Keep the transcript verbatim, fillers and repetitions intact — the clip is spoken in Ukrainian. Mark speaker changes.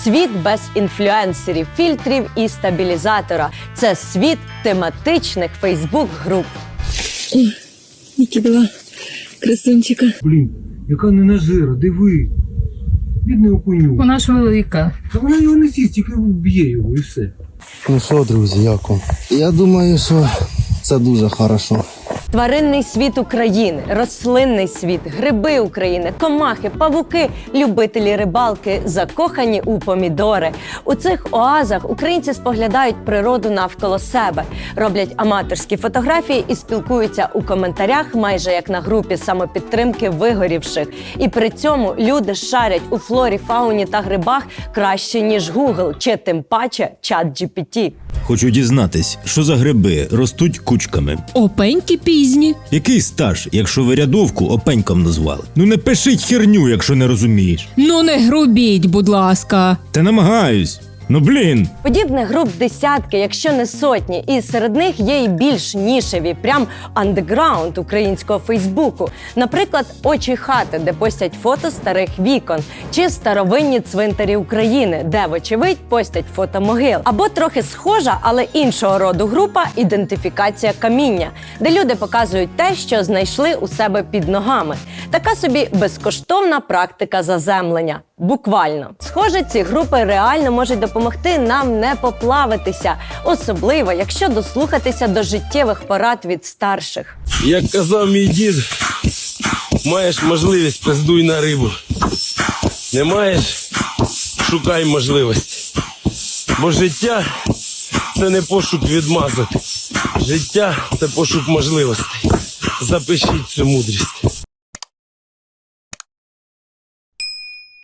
Speaker 1: Світ без інфлюенсерів, фільтрів і стабілізатора. Це світ тематичних фейсбук-груп.
Speaker 2: Ой, Нікітова, красунчика.
Speaker 3: Блін, яка ненажира, диви. Бідний окуню.
Speaker 4: Вона ж велика.
Speaker 3: Та вона його не з'їсть, тільки вб'є його і все.
Speaker 5: Ну що, друзі, як вам? Я думаю, що це дуже хорошо.
Speaker 1: Тваринний світ України, рослинний світ, гриби України, комахи, павуки, любителі рибалки, закохані у помідори. У цих оазах українці споглядають природу навколо себе, роблять аматорські фотографії і спілкуються у коментарях майже як на групі самопідтримки вигорівших. І при цьому люди шарять у флорі, фауні та грибах краще, ніж Google, чи тим паче чат джі пі ті.
Speaker 6: Хочу дізнатись, що за гриби ростуть кучками.
Speaker 7: Опеньки пізні.
Speaker 6: Який стаж, якщо ви рядовку опеньком назвали? Ну не пишіть херню, якщо не розумієш.
Speaker 7: Ну не грубіть, будь ласка.
Speaker 6: Та намагаюсь. Ну блін.
Speaker 1: Подібних груп десятки, якщо не сотні, і серед них є й більш нішеві, прям андеграунд українського фейсбуку. Наприклад, «Очі хати», де постять фото старих вікон, чи «Старовинні цвинтарі України», де, вочевидь, постять фото могил. Або трохи схожа, але іншого роду група «Ідентифікація каміння», де люди показують те, що знайшли у себе під ногами. Така собі безкоштовна практика заземлення. Буквально. Схоже, ці групи реально можуть допомогти нам не поплавитися, особливо, якщо дослухатися до життєвих порад від старших.
Speaker 8: Як казав мій дід, маєш можливість – пиздуй на рибу. Не маєш – шукай можливості. Бо життя – це не пошук відмазок. Життя – це пошук можливостей. Запишіть цю мудрість.